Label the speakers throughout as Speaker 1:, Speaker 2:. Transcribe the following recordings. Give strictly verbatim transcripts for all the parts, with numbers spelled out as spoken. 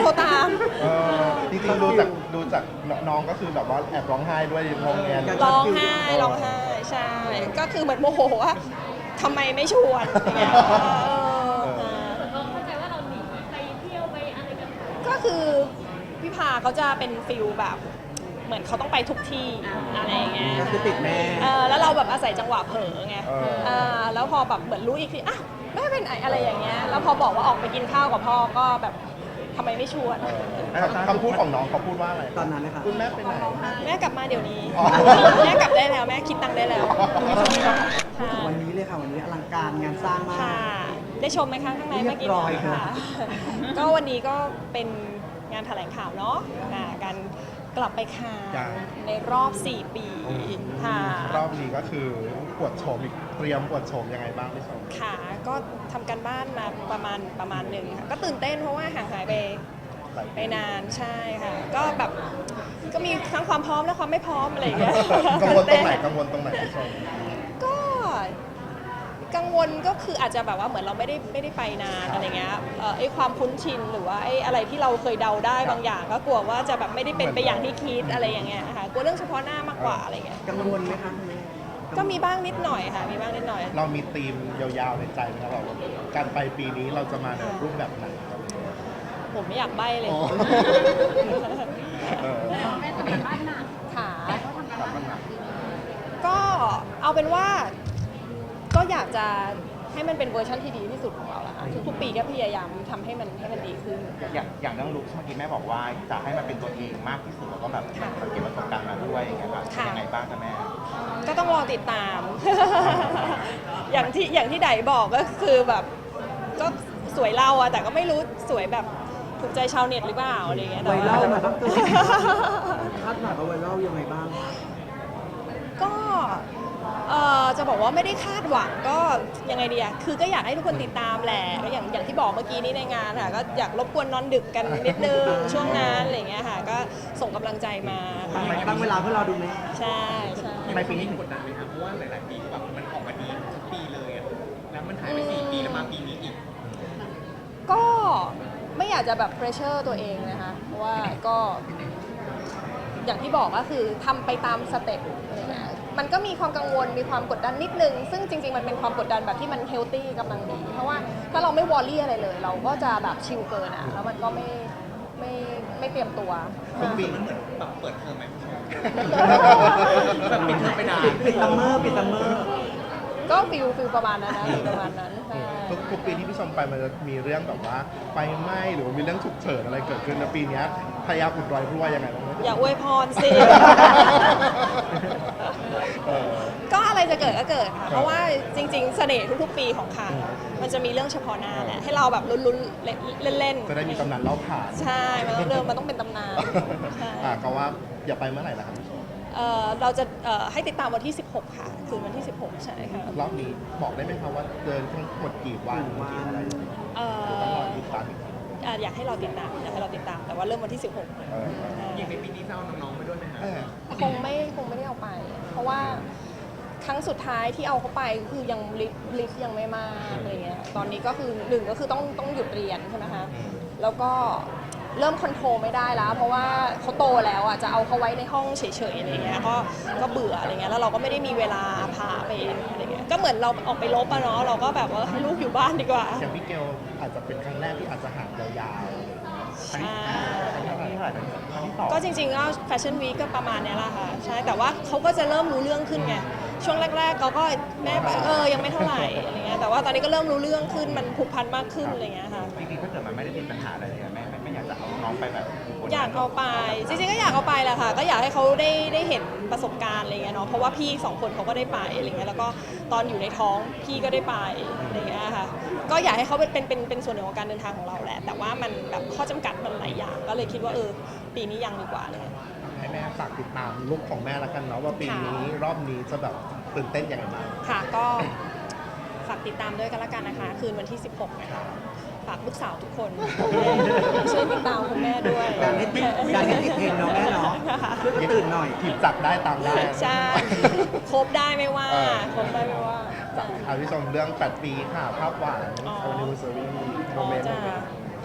Speaker 1: รตาม
Speaker 2: เออจริงๆดูจากดูจากน้องก็คือแบบว่าแอบร้องไห้ด้วยงงแงน
Speaker 1: ร้องไห้ร้องไห้ใช่ก็คือเหมือนโมโหว่าทำไมไม่ชวนอย่างเงี้ยเออ
Speaker 3: เราเข้าใจว่าเราหนีไปเที่ยวไปอะไรกัน
Speaker 1: ก็คือพี่พาเขาจะเป็นฟิลแบบเหมือนเขาต้องไปทุกที่อะไรอย่างเงี้ย
Speaker 4: ก็คือติดแม่
Speaker 1: เออแล้วเราแบบอาศัยจังหวะเผลอไง
Speaker 2: เออ
Speaker 1: เออแล้วพอแบบเหมือนรู้อีกทีอ่ะแม่เป็นไหนอะไรอย่างเงี้ยแล้วพอบอกว่าออกไปกินข้าวกับพ่อก็แบบทำไมไม่ชวน
Speaker 2: คำพูดของน้องเขาพูดว่าอะไร
Speaker 4: ตอนนั้นนะคะ
Speaker 2: คุณแม่ไปไหน
Speaker 1: แม่กลับมาเดี๋ยวนี้
Speaker 2: อ๋อ
Speaker 1: แม่กลับได้แล้วแม่คิดตังค์ได้แล้ว
Speaker 4: พูดถึงวันนี้เลยค่ะวันนี้อลังการงานสร้างมาก
Speaker 1: ค่ะ ได้ชมไหมคะข้างใน
Speaker 4: เรี
Speaker 1: เมื่
Speaker 4: ย
Speaker 1: อบ กี้
Speaker 4: ร้อยค่ะ
Speaker 1: ก็วันนี้ก็เป็นงานแถลงข่าวเนาะอ่าการกลับไปคาน
Speaker 2: จ้ะ
Speaker 1: ในรอบ สี่ ปีค่ะ
Speaker 2: รอบนี้ก็คือปวดโฉมอีกเตรียมปวดโฉมยังไงบ้างพี่ชม
Speaker 1: ค่ะก็ทำการบ้านมาประมาณประมาณหนึ่งค่ะก็ตื่นเต้นเพราะว่าห่างหายไป
Speaker 2: หลาย
Speaker 1: ไปนานใช่ค่ะ ก็แบบก็มีทั้งความพร้อมและความไม่พร้อมอะไรอย่างเงี้ย
Speaker 2: กังวลตรงไหนกังวลตรงไหนพี่ชม
Speaker 1: ก็กังวลก็คืออาจจะแบบว่าเหมือนเราไม่ได้ไม่ได้ไปนานอะไรเงี้ยเอ่อไอ้ความคุ้นชินหรือว่าไอ้อะไรที่เราเคยเดาได้บางอย่าง ก็กลัวว่าจะแบบไม่ได้เป็นไปอย่างที่คิดอะไรอย่างเงี้ยค่ะกลัวเรื่องเฉพาะหน้ามากกว่าอะไรเงี้ย
Speaker 4: กังวลไหมคะคุณแม่
Speaker 1: ก็มีบ้างนิดหน่อยค่ะมีบ้างนิดหน่อย
Speaker 2: เรามีธีมยาวๆในใจไหมครับแบบว่าการไปปีนี้เราจะมาในรูปแบบไหนครับ
Speaker 1: ผมไม่อยากใบ้เลย
Speaker 2: อ๋อ เออ
Speaker 3: แม่ทำงานบ้านหนัก
Speaker 1: ค่ะ
Speaker 3: เขาทำงานบ้านหนัก
Speaker 1: ก็เอาเป็นว่าก็อยากจะให้มันเป็นเวอร์ชันที่ดีที่สุดของเราละค่ะทุกๆปีก็พยายามทำให้มันให้มันดีขึ้น
Speaker 5: อย่างอย่างเรื่องลุคเมื่อกี้แม่บอกว่าจะให้มันเป็นตัวเองมากที่สุดแล้วก็แบบ
Speaker 1: ค่ะ
Speaker 5: เก็บประสบการณ์มาด้วยอย่างเงี้ยค่ะ
Speaker 1: ค่ะ
Speaker 5: ยังไงบ้างคะแม่
Speaker 1: ก็ต้องรอติดตาม อย่างที่อย่างที่ไดบอกก็คือแบบก็สวยเล่าอะแต่ก็ไม่รู้สวยแบบถูกใจชาวเน็ตหรือเปล่าอะไรอย่างเงี้ย
Speaker 4: ไว
Speaker 1: แต่
Speaker 4: รั
Speaker 1: ว่า
Speaker 4: ลมันต้องเกิดคาดหวังเอาไวรัลยังไงบ้าง
Speaker 1: ก็เอ่อจะบอกว่าไม่ได้คาดหวังก็ยังไงดีอะคือก็อยากให้ทุกคนติดตามแหละก็อย่างอย่างที่บอกเมื่อกี้นี้ในงานค่ะก็อยากรบกวนนอนดึกกันนิดนึงช่วงนั้นอะไรอย่างเงี้ยค่ะก็ส่งกำลังใจมาค่ะ
Speaker 4: ตั้งเวลาเพื่อเราดูไหม
Speaker 1: ใช่ใช่
Speaker 5: ทำไมปีนี้ถึงกดดันไหมครับเพราะว่าหลาย ๆ ปีก็แบบมันออกมาดีทุกปีเลยอะแล้วมันหายไปสี่ปีแล้วมาปีนี้อีก
Speaker 1: ก็ไม่อยากจะแบบเพรสเชอร์ตัวเองนะคะเพราะว่าก็อย่างที่บอกก็คือทำไปตามสเต็ปอะไรเงี้ยมันก็มีความกังวลมีความกดดันนิดนึง ซึ่งจริง ๆ มันเป็นความกดดันแบบที่มันเฮลตี้กำลังดี เพราะว่าถ้าเราไม่วอรี่อะไรเลย เราก็จะแบบชิลเกินอ่ะแล้วมันก็ไม่ไม่ไม่เตรียมตัว
Speaker 5: ทุกปีมันเหมือนแบบเปิดเทอมไหมพี่ชม
Speaker 1: แบ
Speaker 5: แบบ บปิดเทอมไปนาน
Speaker 4: ปิดปิดซัมเมอร์ปิดซัมเมอร์
Speaker 1: ก็ฟิลฟิลประมาณนั้นนะฟิลประมาณนั้นใช่
Speaker 2: ทุกทุกปีที่พี่ชมไปมันจะมีเรื่องแบบว่าไฟไหม้หรือว่ามีเรื่องฉุกเฉินอะไรเกิดขึ้นแล้วปีเนี้ยพยายามอุดรอยรั่วยังไงบ้างไหม
Speaker 1: อย่าอวยพรสิ
Speaker 2: เออ
Speaker 1: ก็อะไรจะเกิดก็เกิดค่ะ เพราะว่าจริงๆ เสน่ห์ทุกๆ ปีของคานมันจะมีเรื่องเฉพาะหน้าแหละให้เราแบบลุ้นๆ เล่น
Speaker 2: จะได้มีตำนานเล่าผ่าน
Speaker 1: ๆ ใช่ มันต้องเริ่มมันต้องเป็นตำนานใช่
Speaker 2: อ่ะก็ว่าอย่าไปเมื่อไหร่ล่ะครับพี่ชม
Speaker 1: เอ่อเราจะเอ่อให้ติดตามวันที่ สิบหก ค่ะ คืนวันที่ สิบหก ใช่ค่ะ
Speaker 2: รอบนี้บอกได้ไหมครับว่าเดินทั้งหมดกี่วันกี่อะไร
Speaker 1: เอ่
Speaker 2: หรือต้องร
Speaker 1: อ
Speaker 2: อติดตามอีกที
Speaker 1: อ่ะอยากให้เราติดตามอยากให้เราติดตามแต่ว่าเริ่มวันที่ สิบหก
Speaker 2: เออ
Speaker 5: อย่างในปีนี้จะเอาน้องๆไปด้วยไหมครับ
Speaker 2: เออ
Speaker 1: คงไม่คงไม่ได้เอาไป เพราะว่าครั้งสุดท้ายที่เอาเขาไปคือยังลิฟต์ลิฟต์ยังไม่มากอะไรเงี้ยตอนนี้ก็คือหนึ่งก็คือต้องต้องหยุดเรียนใช่ไหมคะแล้วก็เริ่มคอนโทรลไม่ได้แล้ว เพราะว่าเขาโตแล้วอ่ะจะเอาเขาไว้ในห้องเฉยๆอะไรเงี้ยก็ก็เบื่ออะไรเงี้ยแล้วเราก็ไม่ได้มีเวลาพาไปอะไรเงี้ยก็เหมือนเราออกไปลบอะเนาะเราก็แบบว่าให้ลูกอยู่บ้านดีกว่า
Speaker 2: อย่างพี่เกลอาจจะเป็นครั้งแรกที่อาจจะห่างยาว
Speaker 1: ใช่
Speaker 5: ครั้งที่เท่าไหร่ครั้งที่สอง
Speaker 1: ก็จริงๆก็แฟชั่นวีคก็ประมาณเนี้ยแหละค่ะใช่แต่ว่าเขาก็จะเริ่มรู้เรื่องขึ้นไงช่วงแรกๆเขาก็แม่ไปเออยังไม่เท่าไหร่อะไรเงี้ยแต่ว่าตอนนี้ก็เริ่มรู้เรื่องขึ้นมันผูกพันมากขึ้นอะไรเงี้ยค่ะ
Speaker 5: จริงๆถ้าเกิดมันไม่ได้ติดปัญหาอะไรเลยอะแม่ไม่ไม่อยากจะเอาน้องไปแบบ
Speaker 1: อยากเอาไปจริงๆก็อยากเอาไปแหละค่ะก็อยากให้เขาได้ได้เห็นประสบการณ์อะไรเงี้ยเนาะเพราะว่าพี่สองคนเขาก็ได้ไปอะไรเงี้ยแล้วก็ตอนอยู่ในท้องพี่ก็ได้ไปอะไรเงี้ยค่ะก็อยากให้เขาเป็นเป็นเป็นเป็นส่วนหนึ่งของการเดินทางของเราแหละแต่ว่ามันแบบข้อจำกัดมันหลายอย่างก็เลยคิดว่าเออปีนี้ยังดีกว่าเลย
Speaker 2: ๆให้แม่ฝากติดตามลุคของแม่ละกันเนาะว่าปีนี้รอบนี้จะแบบตื่นเต้นยังไงบ้าง
Speaker 1: ค่ะก็ฝากติดตามด้วยกันละกันนะคะ คืนวันที่ สิบหก นะคะฝากลูกสาวทุกคนช่วยติดตามคุณแม่ด้วย
Speaker 4: ดันให้ติดดันให้ติดเทรนด์เนาะแม่เนาะช่วยกันตื่นหน่อย
Speaker 2: หยิบจับได้ตามได้
Speaker 1: ใช่ครบได้ไม่ว่า
Speaker 2: เออ
Speaker 1: ครบได้ไม่ว่า
Speaker 2: จากอาพี่ชมเรื่องแปดปีค่ะ ภาพหวาน
Speaker 1: อ๋อ
Speaker 2: anniversary โม
Speaker 1: อ๋อ
Speaker 2: เมนต์
Speaker 1: จ้า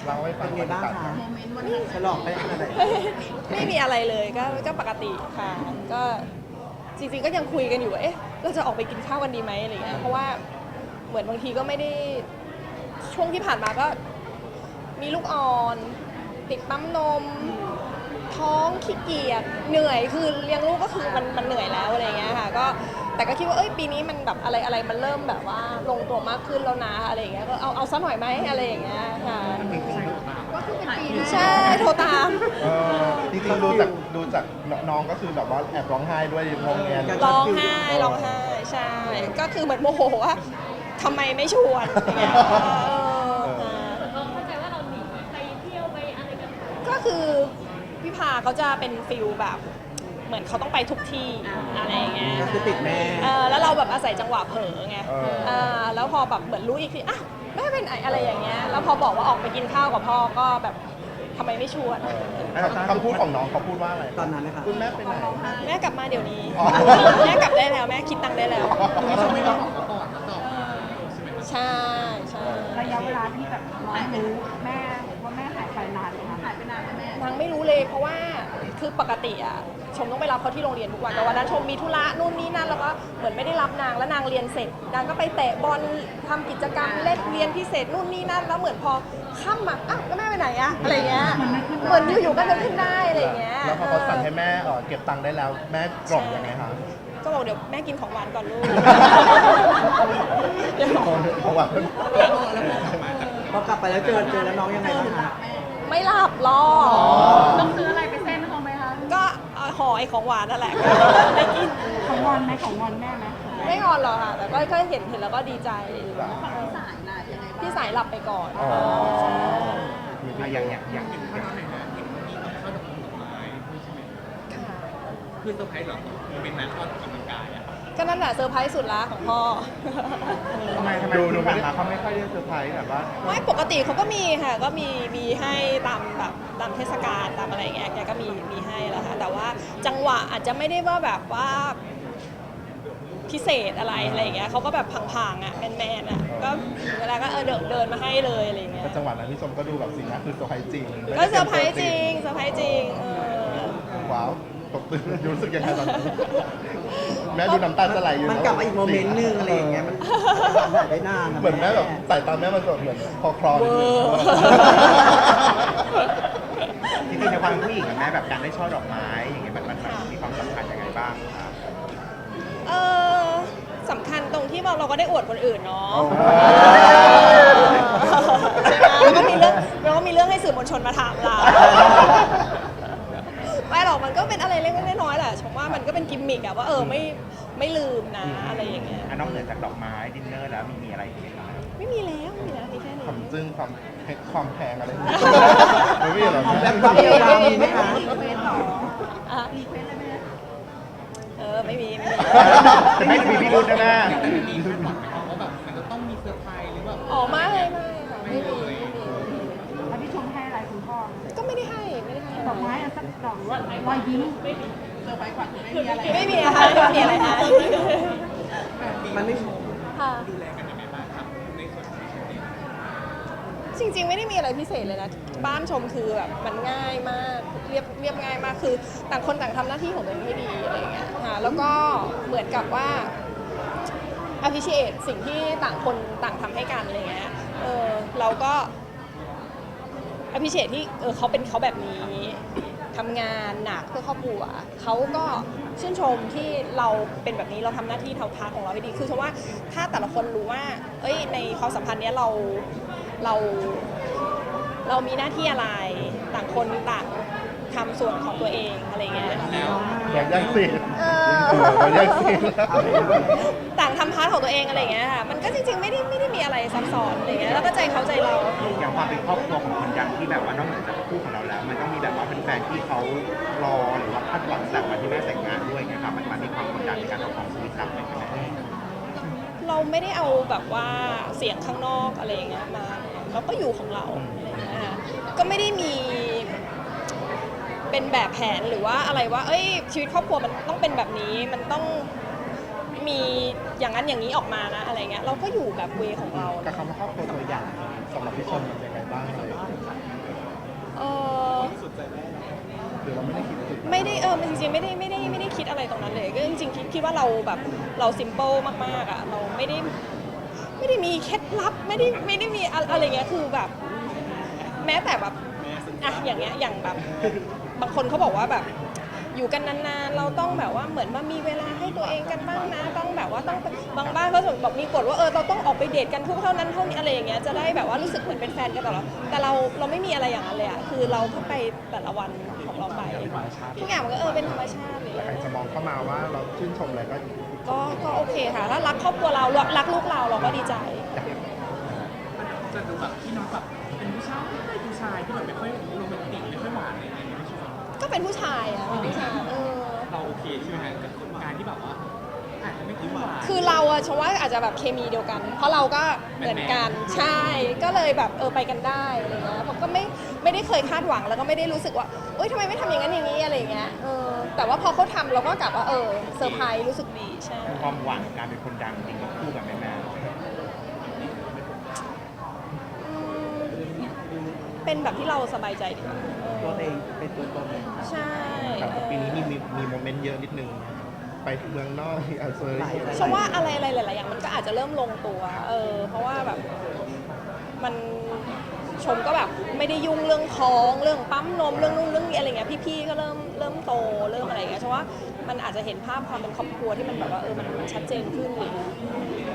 Speaker 2: เล่าให้ฟั
Speaker 4: เป็
Speaker 2: ง
Speaker 4: นไงบ้างคะฉลองไปขนาดไหน
Speaker 1: ไม่มีอะไรเลยก็ก็ปกติค่ะ ก็จริงๆก็ยังคุยกันอยู่ว่าเอ๊ะเราจะออกไปกินข้าวกันดีไหมอะไรเงี้ยเพราะว่าเหมือนบางทีก็ไม่ได้ช่วงที่ผ่านมาก็มีลูกอ่อน ติดปั๊มนม ท้องขี้เกียจเหนื่อยคือเลี้ยงลูกก็คือมันมันเหนื่อยแล้วอะไรเงี้ยค่ะก็แต่ก็คิดว่าเอ้ยปีนี้มันแบบอะไรอะไรมันเริ่มแบบว่าลงตัวมากขึ้นแล้วนะอะไรเงี้ยก็เอาเอาซะหน่อยไหมอะไรอย่างเงี้ยค่ะใช่โทรตาม
Speaker 2: เออจริงๆดูจากดูจากน้องก็คือแบบว่าแอบร้องไห้ด้วยงงแงน
Speaker 1: ร้องไห้ร้องไห้ใช่ ก็คือเหมือนโมโหว่าทำไมไม่ชวนอย่างเงี้ยเออค่ะ
Speaker 3: เราเข้าใจว่าเราหนีไปเที่ยวไปอะไรกัน
Speaker 1: ก็คือพี่พาเขาจะเป็นฟิลแบบ เหมือนเขาต้องไปทุกที่อะไรอย่างเงี้ย
Speaker 4: ก็คือติดแม่
Speaker 1: เออแล้วเราแบบอาศัยจังหวะเผลอไง
Speaker 2: เออ
Speaker 1: เออแล้วพอแบบเหมือนรู้อีกทีอ่ะแม่เป็นไหนอะไรอย่างเงี้ยแล้วพอบอกว่าออกไปกินข้าวกับพ่อก็แบบทำไมไม่ชวน
Speaker 2: คำพูดของน้องเขาพูดว่าอะไร
Speaker 4: ตอนนั้นนะคะ
Speaker 2: คุณแม่ไปไหน
Speaker 1: แม่กลับมาเดี๋ยวนี้
Speaker 2: อ๋อ
Speaker 1: แม่กลับได้แล้วแม่คิดตังค์ได้แล้ว
Speaker 5: ไม่ต้องไม่ต้องบอกเขาก่อนแล้วตอบใช่ไหมครับ
Speaker 1: ใช่ใช่
Speaker 6: ระยะเวลาที่แบบน้องรู้แม่ว่าแม่หายไปนานไหมคะหายไปนานไหมแม่
Speaker 1: นางไม่รู้เลยเพราะว่าคือปกติอะชมต้องไปรับเขาที่โรงเรียนทุกวันแต่วันนั้นชมมีธุระนู่นนี่นั่นแล้วก็เหมือนไม่ได้รับนางแล้วนางเรียนเสร็จนางก็ไปเตะบอลทำกิจกรรมเล่นเรียนพิเศษนู่นนี่นั่นแล้วเหมือนพอค่ำอะอ้าวแล้วแม่ไปไหนอะอะไรเงี้ยเหมือนอยู่ๆก็นึกขึ้นได้อะไรเงี้ย
Speaker 2: แล้วพอเขาสั่งให้แม่เอ่อเก็บตังค์ได้แล้วแม่กล่อมยังไงคะ
Speaker 1: ก็บอกเดี๋ยวแม่กินของหวานก่อนลูกเดี๋ยว
Speaker 2: เพราะว่า
Speaker 4: พอกลับไปแล้วเจอเจอแล้วน้องยังไงบ้างคะ
Speaker 1: ไม่หลับรอ
Speaker 6: ต้องซื้ออะไรไปเส้นเขาไหมคะ
Speaker 1: ก็เอาห่อไอ้ของหวานนั่นแหละไม่กิน
Speaker 6: ของงอนไหมของงอนแม่ไหม
Speaker 1: ไม่งอนหรอกค่ะ แต่ก็ก็เห็นเห็นแล้วก็ดีใจ
Speaker 6: สายน่ะยังไงบ้าง
Speaker 1: พี่สายหลับไปก่อน
Speaker 2: อ๋อ
Speaker 1: ใช่
Speaker 5: อ่ะอย่างอย่างอย่างเห็นข้าวหน่อยนะเห็นมีข้าวดอกดอกไม้ใช่ไหม
Speaker 1: ค่ะ
Speaker 5: คือเซอร์ไพรส์เหรอโมเมนต์นั้นตอนออกกำลังกายอะ
Speaker 1: ก็นั่นแหละเซอร์ไพรส์สุดละของพ่อ
Speaker 2: ทำไมทำไมดูดูไม่ได้เขาไม่ค่อยได้เซอร์ไพรส์แบบว่า
Speaker 1: ไม่ปกติเขาก็มีค่ะ ก็มีมีให้ตามแบบตามเทศกาลตามอะไรอย่างเงี้ยแกก็มีมีให้แล้วค่ะ แต่ว่าจังหวะอาจจะไม่ได้ว่าแบบว่าพิเศษอะไรอะไรอย่างเงี้ยเขาก็แบบพังๆอ่ะแมนๆอ่ะก็เวลาก็เออเดินเดินมาให้เลยอะไรอย่างเงี้ย
Speaker 2: แต่จังหวะนั้นพี่ชมก็ดูแบบสีหน้าคือเซอร์ไพรส์จริง
Speaker 1: ก็เซอร์ไพรส์จริงเซอร์ไพรส์จริงเออ
Speaker 2: ว้าวตกตื่นรู้สึกยังไงตอนนั้นแม่ดูน้ำตาจะไหลอยู่
Speaker 4: มันกลับมาอีกโมเมนต์หนึงอะไรอย่างเงี้ยมันหายไปนานะ
Speaker 2: เหมือนแม่แบบสายตาแม่มันแบบเหมือนคอคลอ
Speaker 1: เว
Speaker 2: นิด
Speaker 1: อ
Speaker 2: นึง
Speaker 1: ร์
Speaker 7: จริงๆในความเป็นผู้หญิงกับแม่แบบการได้ช่อดอกไม้อย่างเงี้ยมันมันมันมีความสำคัญยังไงบ้างครับ
Speaker 1: เออสำคัญตรงที่เราเราก็ได้อวดคนอื่นเนาะใช่ไหมแล้วก็มีเรื่องแล้วก็มีเรื่องให้สื่อมวลชนมาถามเราไม่หรอกมันก็เป็นอะไรเล็กๆน้อยๆแหละชมว่ามันก็เป็นกิมมิกอะว่าเออไม่ไม่ลืมนะอะไรอย่างเงี้ย
Speaker 7: อ่ะนอกเหนือจากดอกไม้ดินเนอร์แล้วมีมีอะไรอีกไหมครับ
Speaker 1: ไม่มีแล้วไม่มีแล้วมีแค่นี้
Speaker 2: ความจึ้งความเพชรความแพงอะไรอย่างเงี้ยไม่มีหรอ
Speaker 4: แบบความเยียวยามีไหมคะ
Speaker 1: อ่ะเออไม่มีไม่มี
Speaker 7: แต่ไม่มีพิรุธนะแม่
Speaker 5: แต่ไม่มีคาดหวังไหมครับว่าแบบมันจะต้องมีเซอร์ไพรส์หรือแบบ
Speaker 1: อ๋อไม่ไม่ค่ะไม่มีไม่มี
Speaker 6: แล้วพี่ชมให้อะไรคุณพ่อ
Speaker 1: ก็ไม่ได้ให้ไม่ได้ให้
Speaker 6: ดอกไม้อันสักดอกหรือว่ารอยยิ้มไม่มีเซอร์ไพรส์ขวัญไม่มีอะไร
Speaker 1: ไม่มีนะคะไม่มีอะไรนะ
Speaker 4: มันไม่
Speaker 1: ค่ะ
Speaker 5: ดูแลกันยังไงบ้างครับในส่วนของชีวิต
Speaker 1: จริงๆไม่ได้มีอะไรพิเศษเลยนะบ้านชมคือแบบมันง่ายมากเรียบเรียบง่ายมากคือต่างคนต่างทำหน้าที่ของตัวเองให้ดีอะไรอย่างเงี้ยค่ะแล้วก็เหมือนกับว่า appreciate สิ่งที่ต่างคนต่างทำให้กันอะไรเงี้ยเออเราก็ appreciate ที่เออเขาเป็นเขาแบบนี้ทำงานหนักเพื่อครอบครัวเขาก็ชื่นชมที่เราเป็นแบบนี้เราทำหน้าที่เท่าทางของเราให้ดีคือชมว่าถ้าแต่ละคนรู้ว่าเอ้ยในความสัมพันธ์เนี้ยเราเราเรามีหน้าที่อะไรต่างคนต่างทำส่วนของตัวเองอะไรเงี้ย
Speaker 2: แบบยังสิ
Speaker 1: เอ
Speaker 2: แบบยังสิ
Speaker 1: ต่างทำพาร์ทของตัวเองอะไรเงี้ยค่ะมันก็จริงๆไม่ได้ไม่ได้มีอะไรซับซ้อนอะไรเงี้ยแล้วก็ใจเขาใจเรา
Speaker 7: อย่างความเป็นครอบครัวของคนยังที่แบบว่านอกเหนือจากคู่ของเราแล้ว มันต้องมีแบบว่าเป็นแฟนที่เขารอหรือว่าคาดหวังจากวันที่แม่แต่งงานด้วยไงครับมันมันมีความกดดันในการเอาของชีวิตรับไหมครับแม่
Speaker 1: เราไม่ได้เอาแบบว่าเสียงข้างนอกอะไรอย่างเงี้ยมาเราก็อยู่ของเราอะไรอย่างเงี้ยค่ะก็ไม่ได้มีเป็นแบบแผนหรือว่าอะไรว่า เอ้ยชีวิตครอบครัวมันต้องเป็นแบบนี้มันต้องมีอย่างนั้นอย่างนี้ออกมานะอะไรเงี้ยเราก็อยู่แบบเวของเรา
Speaker 2: กับคำว่าครอบครัวตัวอย่างสำหรับพี่ชมมันเป็นยังไงบ้างเลย
Speaker 1: อมันจริงๆไม่ได้ไม่ได้ไม่ได้คิดอะไรตรงนั้นเลยก็จริงๆคิดคิดว่าเราแบบเราซิมเปิลมากๆอ่ะเราไม่ได้ไม่ได้มีเคล็ดลับไม่ได้ไม่ได้มีอะไรเงี้ยคือแบบ แม้แต่แบบอ่ะอย่างเงี้ยอย่างแบบบางคนเขาบอกว่าแบบอยู่กันนานๆเราต้องแบบว่าเหมือนมามีเวลาให้ตัวเองกันบ้างนะต้องแบบว่าต้องบางบ้านเขาบอกมีกฎว่าเออเราต้องออกไปเดทกันทุกเท่านั้นเท่านี้อะไรอย่างเงี้ยจะได้แบบว่ารู้สึกเหมือนเป็นแฟนกันตลอดแต่เราเราไม่มีอะไรอย่างนั้นเลยอ่ะคือเราก็ไปแต่ละวันของเราไปทุกอย่างมันก็เออเป็นธรรมชาติเลย
Speaker 2: แต่ใครจะมองเข้ามาว่าเราชื่นชมอะไรก็
Speaker 1: ก็ก็โอเคค่ะถ้ารักครอบครัวเรารักลูกเราเราก็ดีใจ
Speaker 5: จะดูแบบที่น้องแบบเป็นผู้ชายผู้ชายที่แบบไม่ค่อยโรแมนติกไม่ค่อยหวานอะไรอย่างเงี้ยไม่ชอบ
Speaker 1: ก็เป็นผู้ชายอ่ะเป็นผู้ชายเออ
Speaker 5: เราโอเคใช่ไหมฮะกับการที่แบบว่าอาจจะไม่ค่อยหวาน
Speaker 1: คือเราอะชมว่าอาจจะแบบเคมีเดียวกัน เพราะเราก็เหมือนกันใช่ ก็เลยแบบเออไปกันได้อะไรเงี้ยผมก็ไม่ไม่ได้เคยคาดหวังแล้วก็ไม่ได้รู้สึกว่าเอ้ยทำไมไม่ทำอย่างนั้นอย่างนี้อะไรเงี้ยเออแต่ว่าพอเขาทำเราก็กลับว่าเออเซอร์ไพรส์รู้สึกดีใช่
Speaker 7: ความหวังการเป็นคนดังจริงกับคู่กับแม่แม่
Speaker 1: อืมเป็นแบบที่เราสบายใจดีเอ
Speaker 4: ตัว
Speaker 1: อ
Speaker 4: เองเป็นตัวตน
Speaker 1: ใช่
Speaker 2: แต่
Speaker 1: เออ
Speaker 2: ปีนี้มีมีมีโมเมนต์เยอะนิดนึง ไปเมืองนอกอาเซอร์
Speaker 1: ชมว่าอะไรอะไรหลายๆอย่างมันก็อาจจะเริ่มลงตัว เออ เพราะว่าแบบมันชมก็แบบไม่ได้ยุ่งเรื่องท้องเรื่องปั๊มนมเรื่องนู่นเรื่องนี้อะไรเงี้ยพี่ๆก็เริ่มเริ่มโตเริ่มอะไรเงี้ยชมว่ามันอาจจะเห็นภาพความเป็นครอบครัวที่มันแบบว่าเออมันมันชัดเจนขึ้นเลย